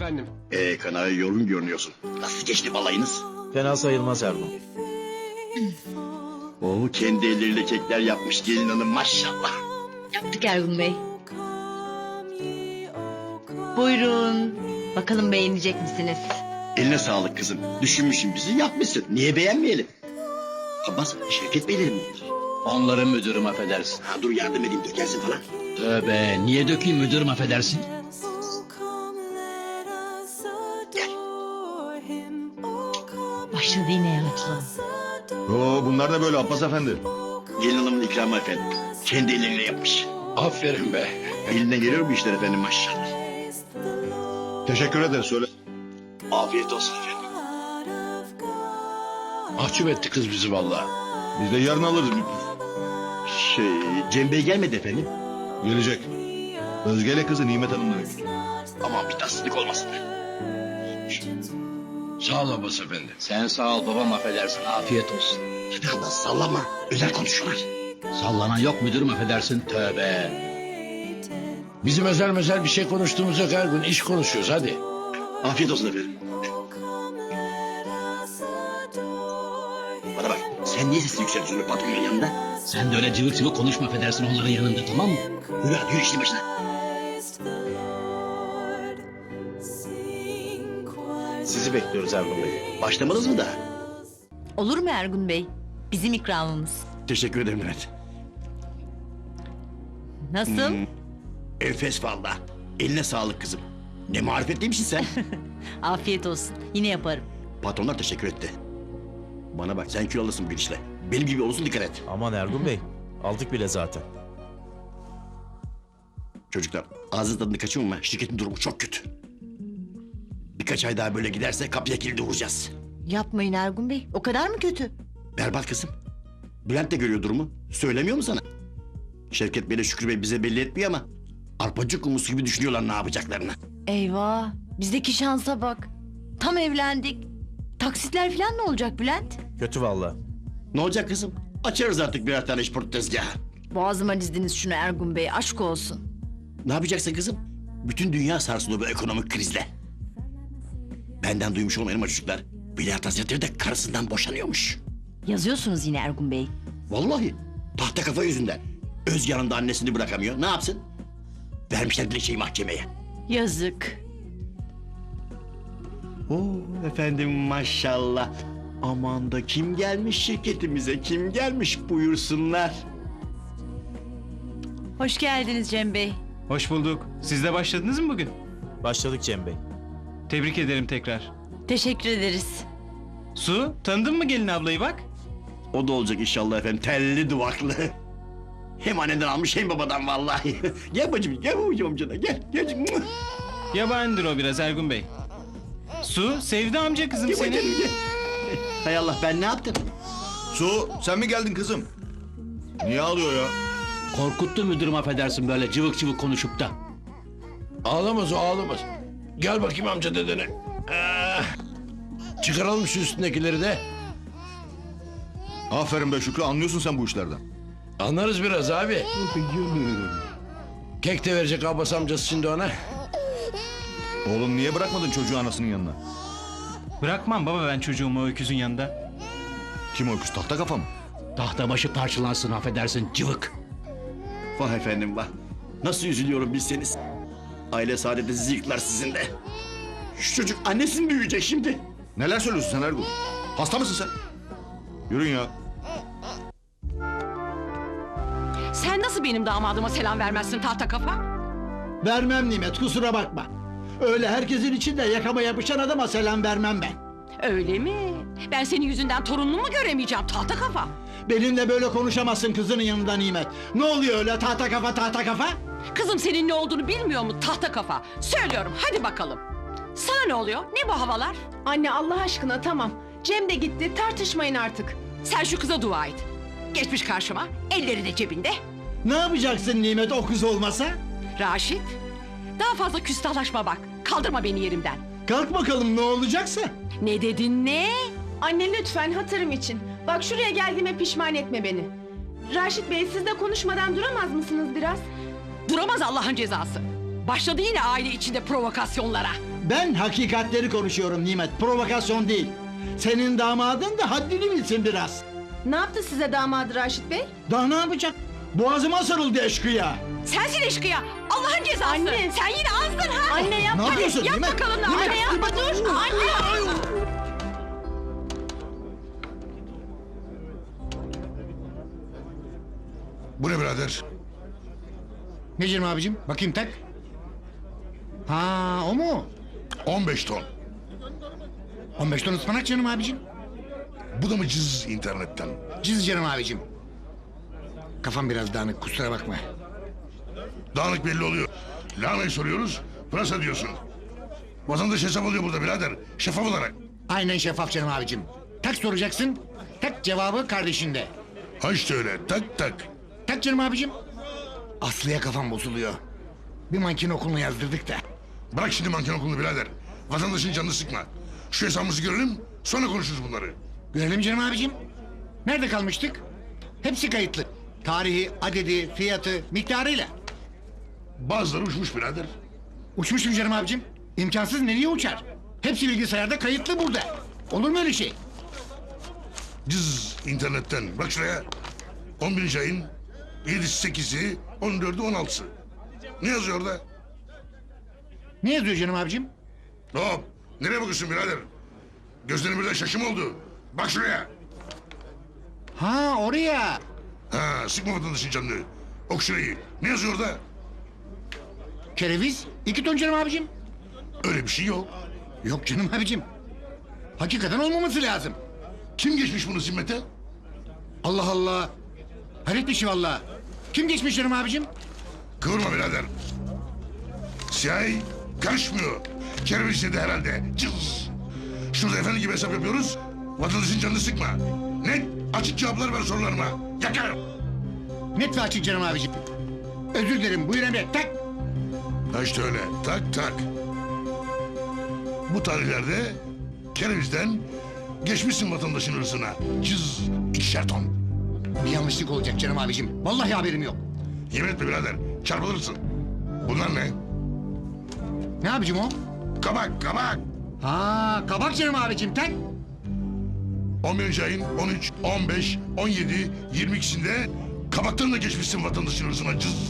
efendim. Kanaya yorgun görünüyorsun. Nasıl geçti balayınız? Fena sayılmaz Ergun. Oo, kendi elleriyle kekler yapmış gelin hanım maşallah. Yaptık Ergun Bey. Buyurun. Bakalım beğenecek misiniz? Eline sağlık kızım. Düşünmüşsün bizi yapmışsın. Niye beğenmeyelim? Abbas Şevket Beylerim mi? Onların müdürüm affedersin. Ha, dur yardım edeyim dökersin falan. Tövbe niye dökeyim müdürüm affedersin. Başladı yine yaratlı. Oo, bunlar da böyle Abbas Efendi. Gelin hanımın ikramı efendim. Kendi elleriyle yapmış. Aferin be. Elinden geliyor bu işler efendim maşallah. Teşekkür ederiz söyle. Afiyet olsun efendim. Mahcup etti kız bizi vallahi. Biz de yarın alırız. Cem Bey gelmedi efendim. Gelecek. Özge'yle kızı Nimet Hanım'la götür. Aman bir tatsızlık olmasın. Sağ ol Abbas efendi. Sen sağ ol babam affedersin. Afiyet olsun. Hadi Allah sallama. Özel konuşuyorlar. Sallanan yok müdürüm affedersin. Tövbe. Bizim özel bir şey konuştuğumuz yok her gün. İş konuşuyoruz hadi. Afiyet olsun efendim. Bana bak sen niye sesini yükseltiyorsun patronun yanında? Sen de öyle cıvık cıvık konuşma affedersin onların yanında tamam mı? Yürü hadi yürü işin başına. Sizi bekliyoruz Ergun Bey. Başlamadınız mı daha? Olur mu Ergun Bey? Bizim ikramımız. Teşekkür ederim Mehmet. Nasıl? Enfes valla. Eline sağlık kızım. Ne marifetliymişsin sen. Afiyet olsun. Yine yaparım. Patronlar teşekkür etti. Bana bak sen kilo alırsın bir işle. Benim gibi olursun dikkat et. Aman Ergun Bey. Aldık bile zaten. Çocuklar ağzınız tadını kaçırma. Şirketin durumu çok kötü. Birkaç ay daha böyle giderse kapıya kilidi vuracağız. Yapmayın Ergun Bey. O kadar mı kötü? Berbat kızım. Bülent de görüyor durumu. Söylemiyor mu sana? Şevket Bey'le Şükrü Bey bize belli etmiyor ama... ...arpacık kumusu gibi düşünüyorlar ne yapacaklarını. Eyvah. Bizdeki şansa bak. Tam evlendik. Taksitler falan ne olacak Bülent? Kötü valla. Ne olacak kızım? Açarız artık birer tane işport tezgahı. Boğazıma dizdiniz şunu Ergun Bey. Aşk olsun. Ne yapacaksın kızım? Bütün dünya sarsılıyor bu ekonomik krizle. Benden duymuş olmayalım çocuklar. Veliaht Hazretleri de karısından boşanıyormuş. Yazıyorsunuz yine Ergun Bey. Vallahi tahta kafa yüzünden. Öz yanında annesini bırakamıyor. Ne yapsın? Vermişler dilekçeyi mahkemeye. Yazık. Oo efendim maşallah. Aman da kim gelmiş şirketimize? Kim gelmiş buyursunlar. Hoş geldiniz Cem Bey. Hoş bulduk. Siz de başladınız mı bugün? Başladık Cem Bey. Tebrik ederim tekrar. Teşekkür ederiz. Su, tanıdın mı gelin ablayı bak? O da olacak inşallah efendim. Telli duvaklı. Hem anneden almış hem babadan vallahi. Gel bacım, gel babacığım amcana. Gel, gel. Yabanidir o biraz Ergun Bey. Su, sevdi amca kızım Gel seni. bacım, gel. Hay Allah ben ne yaptım? Su sen mi geldin kızım? Niye ağlıyor ya? Korkuttu müdürüm affedersin böyle cıvık cıvık konuşup da. Ağlamaz o ağlamaz. Gel bakayım amca dedene. Çıkaralım şu üstündekileri de. Aferin be Şükrü anlıyorsun sen bu işlerden. Anlarız biraz abi. Kek de verecek Abbas amcası şimdi ona. Oğlum niye bırakmadın çocuğu anasının yanına? Bırakmam baba ben çocuğumu o öküzün yanında. Kim o öküz tahta kafa mı? Tahta başı parçalansın affedersin cıvık. Vah efendim vah. Nasıl üzülüyorum bilseniz. Aile saadeti sizi yıklar sizin de. Şu çocuk annesini büyüyecek şimdi. Neler söylüyorsun sen Ergun? Hasta mısın sen? Yürün ya. Sen nasıl benim damadıma selam vermezsin tahta kafa? Vermem Nimet kusura bakma. Öyle herkesin içinde yakama yapışan adama selam vermem ben. Öyle mi? Ben senin yüzünden torunumu mu göremeyeceğim tahta kafa? Benimle böyle konuşamazsın kızının yanında Nimet. Ne oluyor öyle tahta kafa tahta kafa? Kızım senin ne olduğunu bilmiyor mu tahta kafa? Söylüyorum hadi bakalım. Sana ne oluyor? Ne bu havalar? Anne Allah aşkına tamam. Cem de gitti tartışmayın artık. Sen şu kıza dua et. Geçmiş karşıma, elleri de cebinde. Ne yapacaksın Nimet o kız olmasa? Raşit, daha fazla küstahlaşma bak. Kaldırma beni yerimden. Kalk bakalım ne olacaksa. Ne dedin ne? Anne lütfen hatırım için. Bak şuraya geldiğime pişman etme beni. Raşit Bey siz de konuşmadan duramaz mısınız biraz? Duramaz Allah'ın cezası. Başladı yine aile içinde provokasyonlara. Ben hakikatleri konuşuyorum Nimet, provokasyon değil. Senin damadın da haddini bilsin biraz. Ne yaptı size damadı Raşit Bey? Daha ne yapacak? Boğazıma sarıldı eşkıya. Sensin eşkıya. Allah'ın cezası. Anne. Sen yine azdın ha. Anne yap. Ne yapıyorsun Yap Nimet? bakalım. Nimet, Anne yapma dur. Anne. Bu ne birader? Ne canım abicim? Bakayım tak. Ha o mu? 15 ton. 15 ton ıspanak canım abicim. Bu da mı cız internetten? Cız canım abicim. Kafam biraz dağınık kusura bakma. Dağınık belli oluyor. Lahanayı soruyoruz, pırasa diyorsun. Vatandaş hesap alıyor burada birader. Şeffaf olarak. Aynen şeffaf canım abicim. Tak soracaksın. Tak cevabı kardeşinde. Ha işte öyle. Tak tak. Tak canım abicim. Aslı'ya kafam bozuluyor. Bir manken okuluna yazdırdık da. Bırak şimdi manken okulunu birader. Vatandaşın canını sıkma. Şu hesabımızı görelim, sonra konuşuruz bunları. Görelim canım abicim. Nerede kalmıştık? Hepsi kayıtlı. Tarihi, adedi, fiyatı, miktarıyla. Bazıları uçmuş birader. Uçmuşum canım abicim. İmkansız nereye uçar? Hepsi bilgisayarda kayıtlı burada. Olur mu öyle şey? Cız internetten. Bak şuraya. 11. ayın 7'si 8'i 14'ü 16'sı. Ne yazıyor orada? Ne yazıyor canım abicim? Hop. Nereye bakıyorsun birader? Gözlerin birden şaşım oldu. Bak şuraya. Ha oraya. Ha, sıkma vatandaşın canını. Ok şurayı. Ne yazıyor orada? Kereviz 2 ton canım abicim. Öyle bir şey yok. Yok canım abicim. Hakikaten olmaması lazım. Kim geçmiş bunu zimmete? Allah Allah. Hayret bir şey valla. Kim geçmiş canım abicim? Kıvırma birader. CIA karışmıyor. Kereviz de herhalde. Cız. Şurada efendi gibi hesap yapıyoruz. Vatandaşın canını sıkma. Net, açık cevaplar ver sorularıma. Yakarım. Net ve açık canım abicim. Özür dilerim buyur emret tak. Ha işte öyle. Tak tak. Bu tarihlerde kerevizden geçmişsin vatandaşın hırsına. Cız. 2'şer ton. Bir yanlışlık olacak canım abicim. Vallahi haberim yok. Yemin etme birader. Çarpılırsın. Bunlar ne? Ne abicim o? Kabak, kabak. Ha kabak canım abicim tak. 11. ayın 13, 15, 17, 22'sinde kabaktan da geçmişsin vatandaşın hırsına. Cız.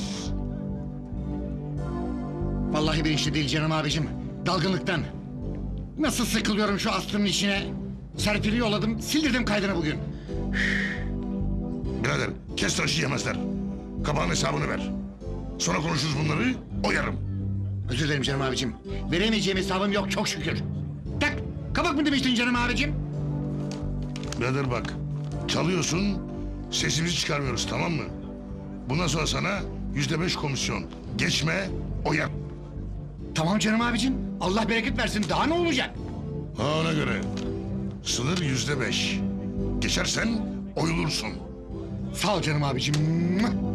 Vallahi bilinçli değil canım abicim. Dalgınlıktan. Nasıl sıkılıyorum şu Aslı'nın içine. Serpil'i yolladım sildirdim kaydını bugün. Birader kes tıraşı yemezler. Kabağın hesabını ver. Sonra konuşuruz bunları, oyarım. Özür dilerim canım abicim. Veremeyeceğim hesabım yok çok şükür. Tak kabak mı demiştin canım abicim? Birader bak, çalıyorsun, sesimizi çıkarmıyoruz tamam mı? Bundan sonra sana %5 komisyon. Geçme, oyar. Tamam canım abicim. Allah bereket versin daha ne olacak? Ha ona göre. Sınır %5. Geçersen oyulursun. Sağ ol canım abicim.